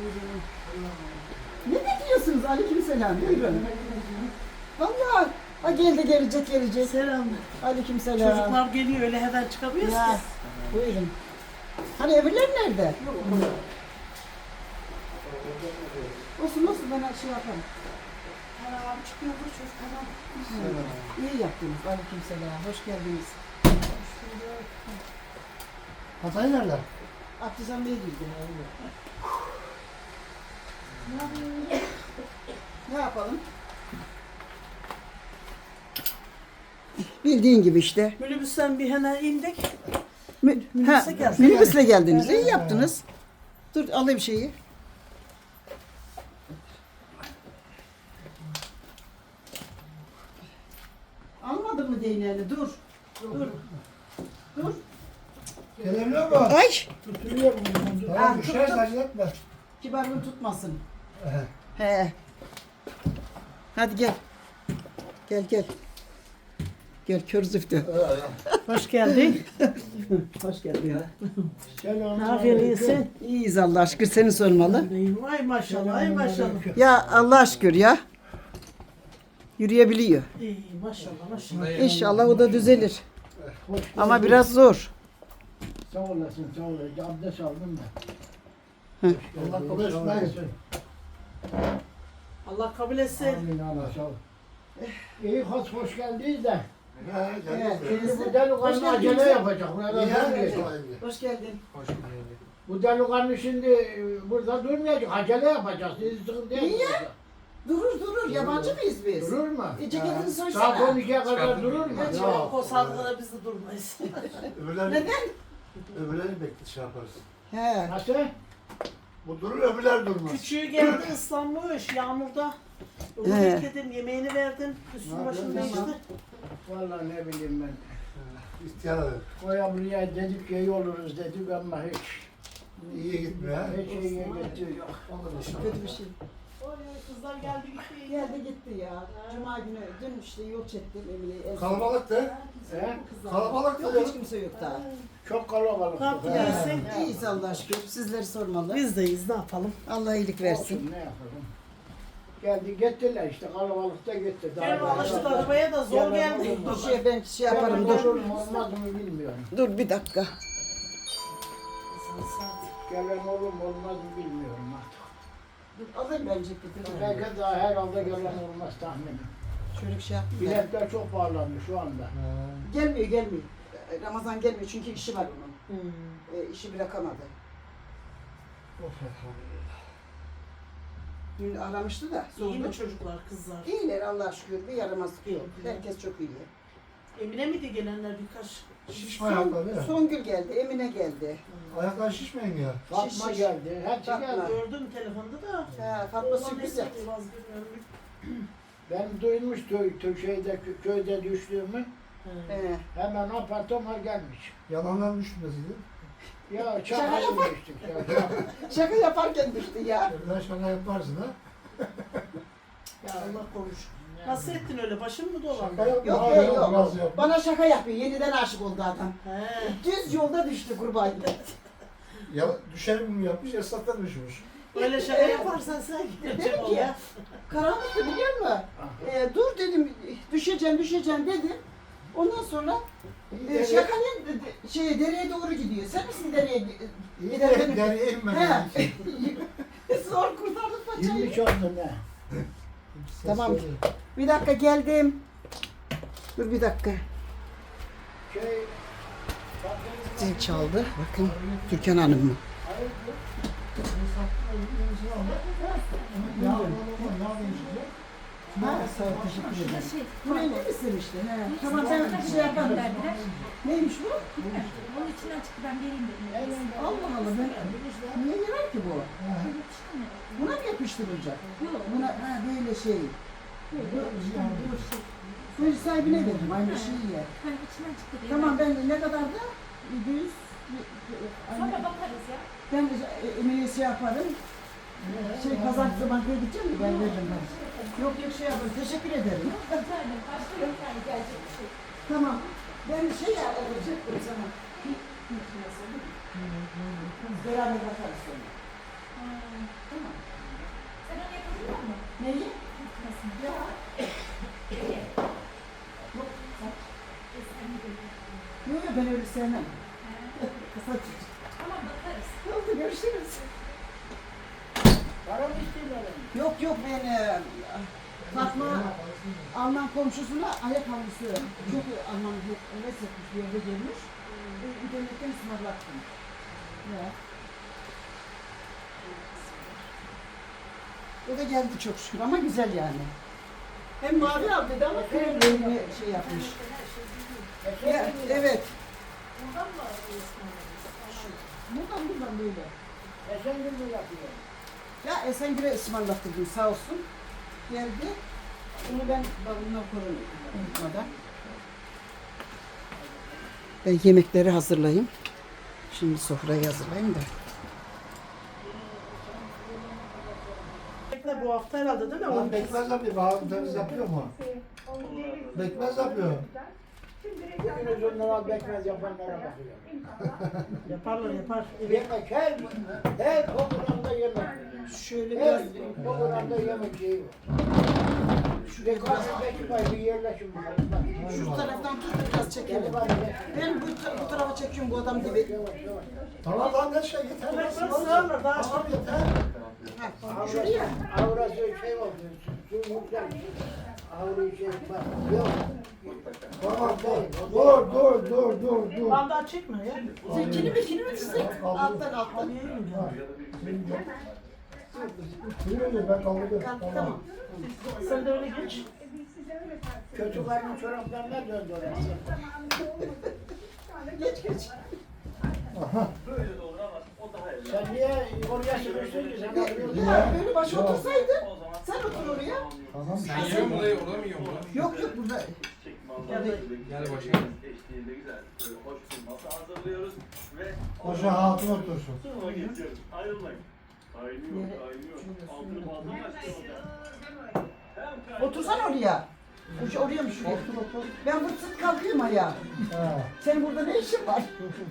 Ne bekliyorsunuz? Aleykümselam. Buyurun. Vallahi ha geldi gelecek. Selam. Aleykümselam. Çocuklar geliyor öyle hemen çıkamıyoruz Ya, ki. buyurun. Hani öbürler nerede? Olsun ben şey yaparım. Abi çıkıyordur çocuk tamam. İyi yaptınız. Aleykümselam. Hoş geldiniz. Hatay nerede? Artizan Bey girdi. Ne yapalım? Bildiğin gibi işte. Minibüsten bir hemen indik. Minibüsle geldik. Minibüsle geldiniz. İyi yaptınız. Dur alayım şeyi. Almadın mı değneğini? Dur. Dur. Gelebiliyor mu? Ay! Tutuyor mu? Tamam, tut, düşer tut. acele etme. Kibarlığın tutmasın. Ehe. He. Hadi gel. Gel. Gel kör züftü. Hoş geldin. Hoş geldin. Ne yapıyorsun iyisin? İyiyiz Allah şükür seni sormalı. Ay maşallah ay maşallah. Ya Allah şükür ya. Yürüyebiliyor. İyi maşallah. İnşallah o da düzelir. Hoş Ama geldin. biraz zor. Sağ olasın, sağ olasın. Abdest aldım Hı. da. Allah kabul etsin. Allah kabul etsin. Amin Allah sağ ol. İyi hoş geldiniz de. Evet, Şimdi bu Hoş delikanlı geldiniz. acele yapacak. Burada durmayacak. Hoş geldin. Bu delikanlı şimdi burada durmayacak. Acele yapacak. Siz sıkıntıya Niye? girecek. Durur. Yabancı mıyız biz? Durur mu? Ceketini Saat soysana. 12'ye kadar durur mu? Yok o saatte biz de durmayız. Neden? Öbürlerini bekle şey yaparız. He. Nasıl? Bu durur öbürler durmaz. Küçüğü geldi ıslanmış yağmurda. Onu He. bekledim yemeğini verdim. Üstünü başını değişti. Vallahi ne bileyim ben. İhtiyar eder. Koya buraya dedik ki iyi oluruz dedik ama hiç. İyi gitmiyor ha. Hiç iyiye gitti yok. Olur inşallah. Kötü bir şey. Oy kızlar geldi gitti. Geldi gitti ya. Cuma günü dün işte yol çektim Emine'yi. Kalabalık da. He? Kalabalık Yok da. hiç kimse yok daha. Çok kalabalık. Ne yaptın He. iyisin? İyiyiz Allah'a şükür. Sizleri sormalı. Biz deyiz ne yapalım. Allah iyilik versin. Olsun, ne yapalım. Geldi gittiler işte kalabalıkta gitti. Benim alıştık arabaya da zor geldi. Ben şey yaparım dur. Olur mu olmaz mı bilmiyorum. Dur bir dakika. Gelen olur mu olmaz mı bilmiyorum artık. Dur alayım ben ceketini. Belki daha herhalde gelen olmaz tahminim. Şöyle bir şey yapayım. da. Biletler çok pahalandı şu anda. Gelmiyor. Ramazan gelmiyor çünkü işi var onun. İşi bırakamadı. Of elhamdülillah. Dün aramıştı da İyi mi sordu. çocuklar kızlar? İyiler Allah'a şükür. Bir yaramazlık yok. Herkes çok iyi. Emine miydi gelenler birkaç? Şişme ayaklar değil mi? Songül geldi, Emine geldi. Ayaklar şişmeyin ya. Fatma Şiş. geldi. Hepsi Fatma. geldi. Gördüm telefonda da. Ha, Fatma Oğlan sürpriz neyse, yaptı. vazgeçmiyorum. Ben duymuş köyde düştüğümü. He. Hemen apar topar gelmiş. Yalanlar düşmesiydi. Ya Şaka çakayı yapar. geçtik ya. Şaka yaparken düştü ya. Öbürler şaka yaparsın ha. Ya Allah koruş. Nasıl ettin öyle? Başın mı dolandı? Şaka yapma. Yok abi, yok yok. biraz yap. Bana şaka yapıyor. Yeniden aşık oldu adam. He. Düz yolda düştü kurban. Ya düşerim mi yapmış, esnaftan düşmüş. Öyle şaka yaparsan sen gidecek Dedim ol ki ya. karanlıktı biliyor musun? Dur dedim düşeceğim dedim. Ondan sonra şakanın dereye doğru gidiyor. Sen misin dereye İyi giden de benim? deriye inmedi. He. Zor kurtardık paçayı. 20 oldu ne? Tamam. Bir dakika geldim. Dur bir dakika. Şey, Zil çaldı. Bakın Türkan Hanım mı? Ha, sağ ol, teşekkür ederim. Bu ne istemişti? He. Tamam ben bir şey yaparım. Neymiş bu? Onun içinden çıktı ben vereyim dedim. Allah Allah ben niye yarar ki bu? Buna mı yapıştırılacak? Yok. Buna böyle şey. Bu sahibine veririm aynı şeyi ye. Hani içinden çıktı diye. Tamam ben ne kadar da 100 Sonra bakarız ya. ben Emine'ye şey yaparım. Pazartesi bankaya gideceğim mi? Ben veririm ben. Yok şey yaparım. Teşekkür ederim. Rica ederim. Başka yok yani gelecek bir şey. Tamam. Ben şey yapacaktım sana. Beraber bakarız sonra. Tamam. Sen onu yapabiliyor musun? Neyi? Nasıl? Ya. Peki. Yok. Sen de böyle. Yok ben öyle sevmem. Ha. Kısa çocuk. Tamam bakarız. Oldu görüşürüz. Para mı istiyorlar? Yok yok ben Fatma Alman komşusuna ayakkabısı çok Alman heves etmiş bir yerde görmüş. İnternetten ısmarlattım. Ya. O da geldi çok şükür ama güzel yani. Hem mavi al dedi ama kremlerini şey yapmış. Ya, evet. Buradan böyle. Esengül mü yapıyor? Ya Esengül'e ısmarlattırdım sağ olsun. Geldi. Bunu ben balonuna koyayım unutmadan. Ben yemekleri hazırlayayım. Şimdi sofrayı hazırlayayım da. Bekle bu hafta herhalde değil mi? Lan bekmez yapıyor. Baharım temiz yapıyor mu? Bekmez yapıyor. Bugün onlara al bekmez yapanlara bakıyor. Yaparlar yapar. Yemek her programda yemek. Şöyle Her biraz programda yemek şeyi var. şuraya biraz Bekmez var bir yerleşim var. şu taraftan tut biraz çekelim. Hadi bari. Ben bu tarafa çekiyorum bu adam gibi. Yavaş yavaş. Tamam lan ne şey yeter. Bırak sığarlar daha. Tamam yeter. Ha, şuraya. Avrası şey oldu. Su yüksel. Avru şey bak. Yok. Tamam dur. Bandağı çekme ya. Zekini mi tutsak? Alttan. Yürü ben kaldırdım. Tamam. Sen de öyle geç. Kötü karnın çoraplarına döndü orası. Geç. Sen niye oraya sürüyorsun ki? Sen alıyorsun. Ya böyle başa otursaydın. Sen otur oraya. Tamam. Sen yiyor mu dayı? Orada mı yiyor mu? Yok burada. Gel başına. Eşliğinde güzel, böyle hoş bir masa hazırlıyoruz ve Hoca hatun otursun. sunuma geçiyoruz. Ayrılmayın. Kaynıyor. Altını fazla mı açtın? Otursana oraya. Oraya mı şuraya? Otur. Ben bu sırt kalkıyorum ayağa. Ha. Senin burada ne işin var?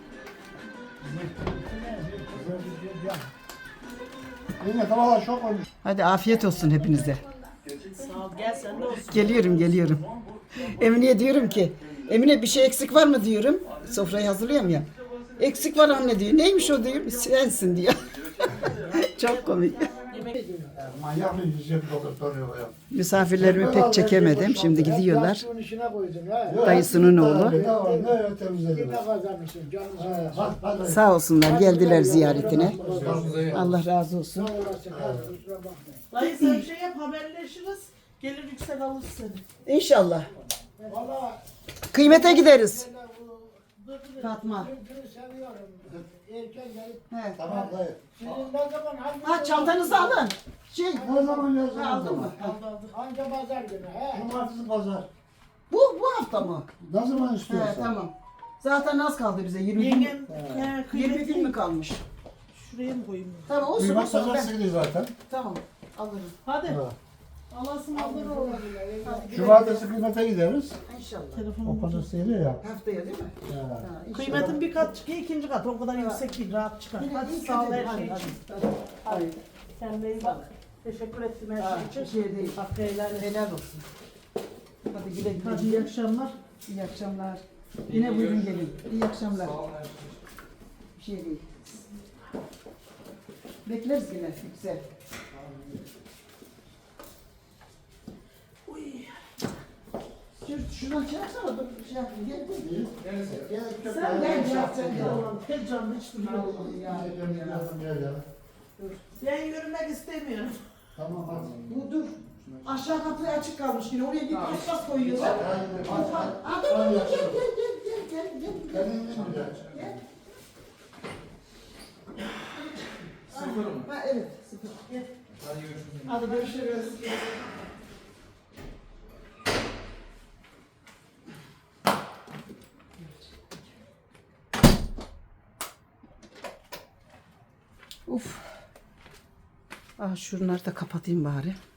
Yine tamam çok olmuş. Hadi afiyet olsun hepinize. Sağ ol gel sen de olsun. Geliyorum. Emine'ye diyorum ki, Emine bir şey eksik var mı diyorum. Sofrayı hazırlıyorum ya. Eksik var anne diyor. Neymiş o diyor. Sensin diyor. Çok komik. Manyak bir yüzüm doldurtuyor ya. Misafirlerimi pek çekemedim. Şimdi gidiyorlar. Suyun içine koydun ha. Dayısının oğlu. Ne var ne temizledim. Ne kazanmışsın canım sağ olsun. Hadi. Sağ olsunlar geldiler ziyaretine. Görüşürüz dayı. Allah razı olsun. Sağ olasın. Hadi kusura bakma. Dayı sen bir şey yap haberleşiriz. Gelir yüksel alır seni. İnşallah. Valla Kıymete gideriz. dur. Fatma. Türk'ünü seviyorum. Erken gelip He. Tamam dayı. sizin ne zaman hangi Ha çantanızı alın. Ne zaman yazdın? Aldın mı? Anca pazar günü he. Cumartesi pazar. Bu hafta mı? Ne zaman He istiyorsan. tamam. Zaten az kaldı bize. 20 gün. Yengem 20 gün mü kıymetli. kalmış? Şuraya mı koyayım? Tamam olsun Duymak olsun. Ben, pazartesi gidiyor zaten. tamam alırım. Hadi. Ha. Allah'ın alır oğlum. Cumartesi kıymete gideriz. İnşallah. O Telefonum. pazartesi geliyor ya. Haftaya değil mi? Ha. Ha, inşallah. Kıymetin bir kat çıkıyor, ikinci kat. O kadar yüksek değil, rahat çıkar. Yine Hadi iyi sağ ol kötü her değil. şey Hadi, için. hadi. Hadi. Kendine iyi bak. Teşekkür ettim her Ha, şey için. şey değil. Hakkı helal et. Helal olsun. Hadi güle güle. Hadi iyi akşamlar. İyi akşamlar. Yine buyurun gelin. İyi akşamlar. Sağ olun. Bir şey değil. Bekleriz yine. Güzel. Şuradan çıkarsana dur şey yapayım. Gel gel. Sen gel gel sen gel. Pek canlı hiç duruyor. Ben yürümek istemiyorum. Tamam hadi. Bu dur. Aşağı kapı açık kalmış yine. Oraya bir paspas koyuyorlar. Aa, dur dur gel. Gel. Sıfır mı? Ha evet sıfır. Gel. Hadi görüşürüz. Hadi görüşürüz. Uf. Ah şunları da kapatayım bari.